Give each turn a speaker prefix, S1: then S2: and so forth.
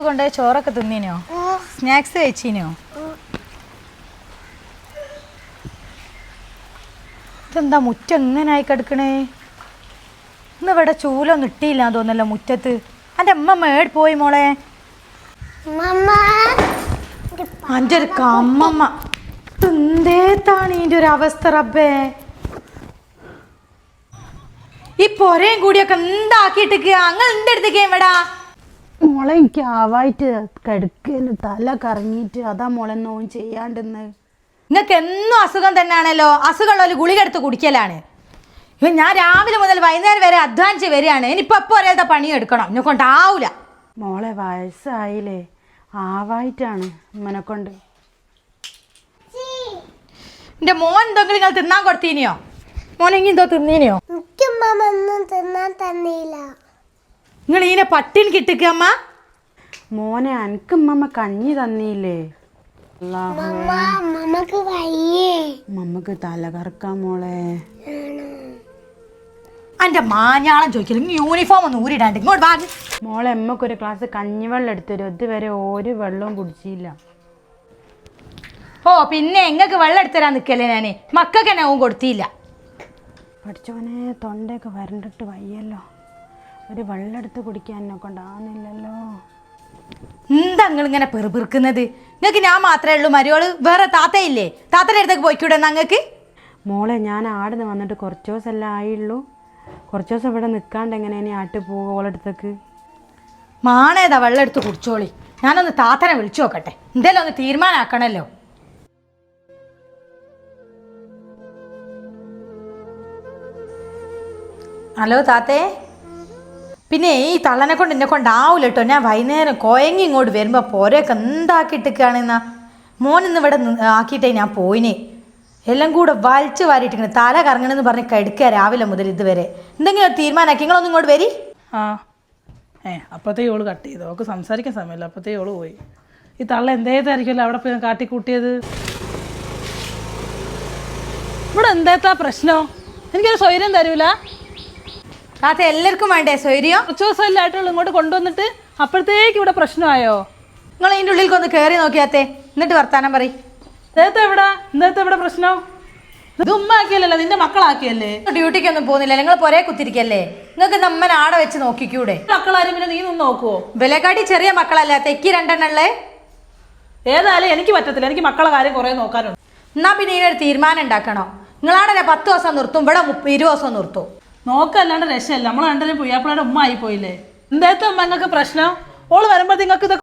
S1: കൊണ്ട് ചോറൊക്കെ തിന്നീനോ? സ്നാക്സ് കഴിച്ചീനോ? ഇതെന്താ മുറ്റം എങ്ങനായി കിടക്കണേ? ഇന്ന് ഇവിടെ ചൂലൊന്നും ഇട്ടില്ല തോന്നല്ലോ മുറ്റത്ത്. എൻ്റെ അമ്മ മേട് പോയി മോളെ. എൻ്റെ ഒരു കമ്മമ്മ എന്തേത്താണ് ഇതിൻ്റെ ഒരു അവസ്ഥ റബ്ബേ. ഈ പൊരയും കൂടിയൊക്കെ എന്താക്കിയിട്ടിക്കുക? അങ്ങ് എൻ്റെ അടുത്തേക്ക് എവിടാ
S2: മോളെ? എനിക്ക് ആവായിട്ട് കിടക്കല് തല കറങ്ങിയിട്ട് അതാ മോളെ നോവും ചെയ്യാണ്ടെന്ന്.
S1: നിങ്ങൾക്ക് എന്നും അസുഖം തന്നെയാണല്ലോ. അസുഖമുള്ള ഗുളിക എടുത്ത് കുടിക്കലാണ്. ഇപ്പം ഞാൻ രാവിലെ മുതൽ വൈകുന്നേരം വരെ അധ്വാനിച്ച് വരികയാണ്. ഇനിയിപ്പോൾ എപ്പോൾ ഒരേത്തെ പണിയെടുക്കണം. എന്നെ കൊണ്ടാവൂല
S2: മോളെ. വയസ്സായില്ലേ, ആവായിട്ടാണ് ഇമ്മനെ കൊണ്ട്.
S1: എൻ്റെ മോൻ എന്തെങ്കിലും നിങ്ങൾ തിന്നാൻ കൊടുത്തീനിയോ? മോനെങ്കിൽ എന്തോ തിന്നീനിയോ? നിങ്ങൾ ഇതിനെ പട്ടിണി കിട്ടിക്കുക അമ്മ.
S2: മോനെ അനക്ക് ഉമ്മ കഞ്ഞി തന്നില്ലേ? മമ്മക്ക് തല കറക്കാം മോളെ.
S1: എൻ്റെ മാഞ്ഞാളം ചോദിക്കില്ല. യൂണിഫോം ഒന്ന് ഊരിടാണ്ട് ഇങ്ങോട്ട് വാ.
S2: മോളെ അമ്മക്കൊരു ഗ്ലാസ് കഞ്ഞിവെള്ളം എടുത്തരും. ഇതുവരെ ഒരു വെള്ളവും കുടിച്ചില്ല.
S1: ഓ പിന്നെ എങ്ങൾക്ക് വെള്ളം എടുത്തരാൻ നിൽക്കല്ലേ ഞാൻ. മക്കൾക്ക് തന്നെ ഓൻ കൊടുത്തില്ല.
S2: പഠിച്ചോനെ തൊണ്ടയൊക്കെ വരണ്ടിട്ട് വയ്യല്ലോ. ഒരു വെള്ളം എടുത്ത് കുടിക്കാൻ എന്നെ കൊണ്ടാവുന്നില്ലല്ലോ.
S1: എന്താ നിങ്ങളിങ്ങനെ പെറുപിറുക്കുന്നത്? നിങ്ങൾക്ക് ഞാൻ മാത്രമേ ഉള്ളൂ മരുവോള്? വേറെ താത്തയില്ലേ? താത്തയുടെ അടുത്തേക്ക് പോയിക്കൂടെ നിങ്ങൾക്ക്?
S2: മോളെ ഞാൻ ആടുന്ന് വന്നിട്ട് കുറച്ച് ദിവസമല്ലേ ആയുള്ളൂ. കുറച്ച് ദിവസം ഇവിടെ നിൽക്കാണ്ട് എങ്ങനെയാണ് ആട്ട് പോകുക ഓളടുത്തേക്ക്?
S1: മാണേതാ വെള്ളം എടുത്ത് കുടിച്ചോളി. ഞാനൊന്ന് താത്തനെ വിളിച്ചു നോക്കട്ടെ. എന്തായാലും ഒന്ന് തീരുമാനമാക്കണല്ലോ. ഹലോ താത്തേ. പിന്നെ ഈ തള്ളനെ കൊണ്ട് എന്നെ കൊണ്ടാവൂല കേട്ടോ. ഞാൻ വൈകുന്നേരം കോയങ്ങി ഇങ്ങോട്ട് വരുമ്പോൾ പോരൊക്കെ എന്താക്കിയിട്ടൊക്കെയാണെന്നാ. മോനിന്ന് ഇവിടെ ആക്കിയിട്ടേ ഞാൻ പോയിനെ. എല്ലാം കൂടെ വലിച്ചു വാരിയിട്ടിങ്ങനെ തല കറങ്ങണമെന്ന് പറഞ്ഞ് കെടുക്കുക രാവിലെ മുതൽ ഇതുവരെ. എന്തെങ്കിലും ഒരു തീരുമാനമാക്കി നിങ്ങളൊന്നും ഇങ്ങോട്ട് വരി.
S3: അപ്പോഴത്തേ ഓള് കട്ട് ചെയ്തു. അവൾക്ക് സംസാരിക്കാൻ സമയമില്ല. അപ്പോഴത്തേ ഓള് പോയി. ഈ തള്ള എന്തേതായിരിക്കുമല്ലോ അവിടെ പോയി കാട്ടിക്കൂട്ടിയത്. ഇവിടെ എന്തേത്താ പ്രശ്നം? എനിക്കൊരു സ്വൈര്യം തരൂല.
S1: താത്ത എല്ലാവർക്കും വേണ്ടേ സ്വൈര്യം?
S3: കുറച്ച് ദിവസമല്ലേ ആയിട്ടുള്ളൂ ഇങ്ങോട്ട് കൊണ്ടുവന്നിട്ട്. അപ്പോഴത്തേക്ക് ഇവിടെ പ്രശ്നമായോ?
S1: നിങ്ങൾ ഇതിൻ്റെ ഉള്ളിലേക്ക് ഒന്ന് കയറി നോക്കിയാത്തേ, എന്നിട്ട് വർത്താനം പറയും.
S3: എന്തേത്തെ ഇവിടെ പ്രശ്നം? ഇത് ഉമ്മ ആക്കിയല്ലോ, നിന്റെ മക്കളാക്കിയല്ലേ.
S1: ഡ്യൂട്ടിക്കൊന്നും പോകുന്നില്ല, നിങ്ങൾ പൊരേ കുത്തിരിക്കല്ലേ. നിങ്ങൾക്ക് നമ്മൻ ആടെ വെച്ച് നോക്കിക്കൂടെ?
S3: മക്കളാരും പിന്നെ നീ നിന്ന് നോക്കുവോ?
S1: വിലക്കാട്ടി ചെറിയ മക്കളല്ല, തെക്കി രണ്ടെണ്ണല്ലേ.
S3: ഏതായാലും എനിക്ക് പറ്റത്തില്ല. എനിക്ക് മക്കളെ കാര്യം കുറേ നോക്കാനുണ്ട്.
S1: എന്നാ പിന്നെ ഇതിനൊരു തീരുമാനം ഉണ്ടാക്കണോ? നിങ്ങളാടെ 10 ദിവസം നിർത്തും, ഇവിടെ 20 ദിവസം നിർത്തും.
S3: നോക്കല്ലാണ്ട് രക്ഷയല്ല. നമ്മൾ രണ്ടരും പുയ്യാപ്പിളയുടെ ഉമ്മ ആയി പോയില്ലേ. എന്തേത്തെ ഉമ്മ നിങ്ങൾക്ക് പ്രശ്നം? ഓള് വരുമ്പോഴത്തേക്ക് നിങ്ങൾക്ക്